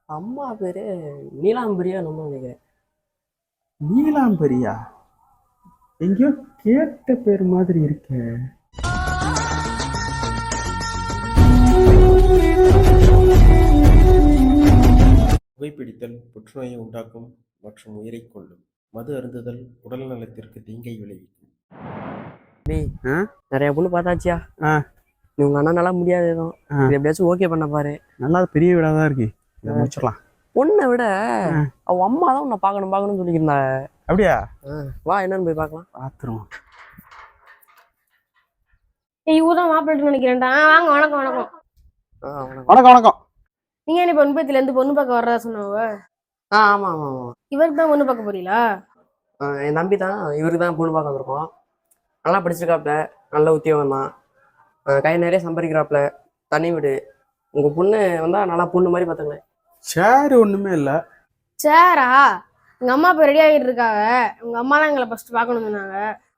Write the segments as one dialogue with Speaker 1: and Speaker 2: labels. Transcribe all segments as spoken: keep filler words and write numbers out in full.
Speaker 1: அம்மா பேரு நீலாம்பரியா நம்ம நினைக்கிறேன்.
Speaker 2: நீலாம்பரியா? எங்கேயோ கேட்ட பேர் மாதிரி இருக்கே.
Speaker 3: புகைப்பிடித்தல் புற்றுநோயை உண்டாக்கும் மற்றும் உயிரை கொல்லும். மது அருந்துதல் உடல் நலத்திற்கு தீங்கை விளைவிக்கும்.
Speaker 1: டேய்,
Speaker 2: ஆ?
Speaker 1: நிறைய பொண்ணு பார்த்தாச்சியா?
Speaker 2: ஆ.
Speaker 1: நீ உங்க அண்ணா நல்லா முடியாது எதுவும்.
Speaker 2: ஆ.
Speaker 1: இது எப்படியாச்சும் ஓகே பண்ண பாரு.
Speaker 2: நல்லா பெரிய வீடாக தான் இருக்கு, இதை முடிச்சிடலாம்.
Speaker 1: பொண்ணை விட
Speaker 2: ஆ.
Speaker 1: அவ அம்மா தான் உன்னை பார்க்கணும் பார்க்கணும்னு சொல்லியிருந்தா.
Speaker 2: அப்படியா?
Speaker 1: வா, என்னன்னு போய் பார்க்கலாம்.
Speaker 2: பாத்துருவோம்.
Speaker 4: ஏய், இவதான் மாப்பிள்ளை நினைக்கிறேன்டா. வாங்க, வணக்கம் வணக்கம்.
Speaker 1: ஆ வணக்கம்.
Speaker 2: வணக்கம் வணக்கம்.
Speaker 4: நீங்க என்ன பொண்ணு பத்தில இருந்து பொண்ணு பார்க்க வர்றதா சொன்னவ?
Speaker 1: ஆ ஆமாம் ஆமாம் ஆமாம்.
Speaker 4: இவருக்கு தான் பொண்ணு பார்க்க போறீங்களா?
Speaker 1: ஆ, என் தம்பி தான், இவருக்கு தான் பொண்ணு பார்க்க வந்திருக்கோம். நல்லா படிச்சிருக்காப்ல, நல்ல உத்தியோகம் தான், கை நிறைய சம்பாதிக்கிறாப்ல, தனி வீடு. உங்கள் பொண்ணு வந்தால் நல்லா பொண்ணு மாதிரி பார்த்துங்களேன்.
Speaker 2: சேரு ஒண்ணுமே இல்லை.
Speaker 4: சேரா? எங்க அம்மா இப்ப ரெடி ஆகிட்டு இருக்காங்க. உங்க அம்மா தான் எங்களை ஃபர்ஸ்ட் பார்க்கணும் சொன்னாங்க.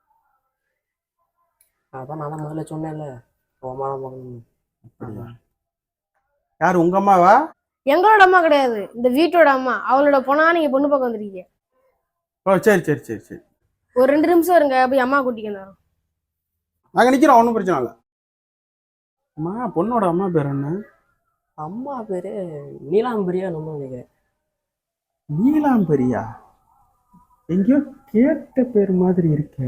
Speaker 1: அதான் நான் தான் முதல்ல சொன்னேன்ல, உன் அம்மா தான் பார்க்கணும்.
Speaker 2: அப்படியா? யாரு, உங்க அம்மாவா?
Speaker 4: எங்களோட அம்மா கிடையாது, இந்த வீட்டோட அம்மா. அவளோட பொண்ணா நீங்க பொண்ணு பார்க்க வந்திருக்கீங்க.
Speaker 2: ஓ சரி சரி சரி சரி.
Speaker 4: ஒரு ரெண்டு நிமிஷம் இருங்க, போய் அம்மா கூட்டிக்கு வந்தோம்.
Speaker 2: நாங்க நிக்கிறோம், ஒன்றும் பிரச்சனை இல்லை. அம்மா, பொண்ணோட அம்மா பேர் என்ன?
Speaker 1: அம்மா பேரு நீலாம்பரியா நம்ம நினைக்கிறேன்.
Speaker 2: நீலாம்பரியா? எங்கேயோ கேட்ட பேர் மாதிரி இருக்கே.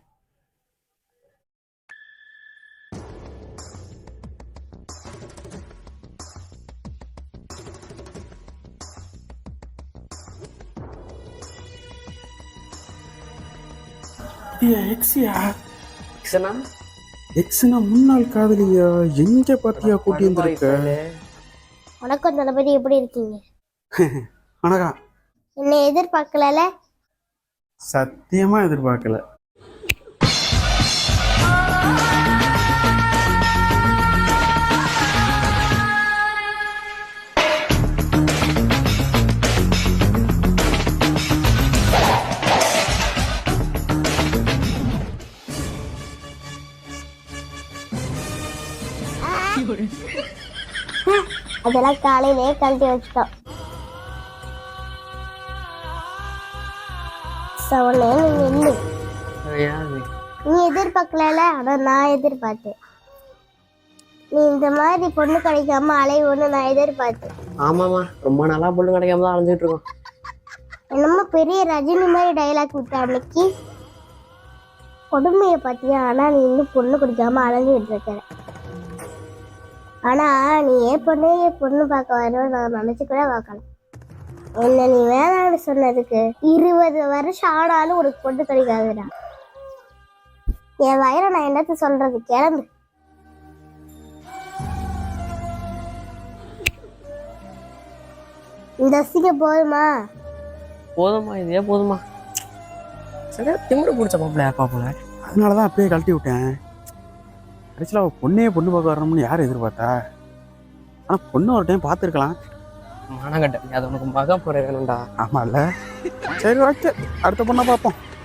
Speaker 2: எக்ஸியா?
Speaker 1: எக்ஸனா?
Speaker 2: எக்ஸ்னா முன்னாள் காதலியா? எங்க பாத்தியா கூட்டி வந்திருக்க?
Speaker 5: வணக்கம் தளபதி, எப்படி இருக்கீங்க?
Speaker 2: வணக்கம்.
Speaker 5: என்னை எதிர்பார்க்கல.
Speaker 2: சத்தியமா எதிர்பார்க்கல.
Speaker 5: அதெல்லாம் காலையிலே கழட்டி வச்சுட்டோம். சவனே, நீங்க என்ன?
Speaker 1: யாரு?
Speaker 5: நீ எதிர்பார்க்கல, ஆனா நான் எதிர்பார்த்தேன். நீ இந்த மாதிரி பொண்ணு கிடைக்காம அலைவோன்னு நான் எதிர்பார்த்தேன்.
Speaker 1: ஆமாம்மா, ரொம்ப நாளா பொண்ணு கிடைக்காம தான் அலைஞ்சிட்டு இருக்கோம்.
Speaker 5: என்னமோ பெரிய ரஜினி மாதிரி டைலாக் விட்ட அன்னைக்கு கொடுமையை பார்த்தியா? ஆனா நீ இன்னும் பொண்ணு குடிக்காம அலைஞ்சிட்டு இருக்கிற. ஆனா நீ ஏன் பொண்ணு பொண்ணு பார்க்க வரணும் நான் நினைச்சு கூட பார்க்கலாம். என்ன நீ வேணான்னு சொன்னதுக்கு இருபது வருஷம் ஆனாலும் உனக்கு பொண்ணு கிடைக்காதுடா. என் வயிறை நான் என்னத்த சொல்றது, கிளம்பு. இந்த அசிங்கம் போதுமா?
Speaker 1: போதுமா, இதே போதுமா. சரி, திமுடு பிடிச்ச மாப்பிள்ளையா பாப்போல.
Speaker 2: அதனாலதான் அப்பயே கழட்டி விட்டேன். கடைசியில் அவள் பொண்ணே பொண்ணு பார்க்க வரணும்னு யார் எதிர்பார்த்தா? ஆனால் பொண்ணு ஒரு டைம் பார்த்துருக்கலாம்.
Speaker 1: மானங்கட்ட, அது உனக்கு மகா போற வேணும்டா.
Speaker 2: ஆமாம் இல்லை? சரி, ஓகே, அடுத்த பொண்ணை பார்ப்போம்.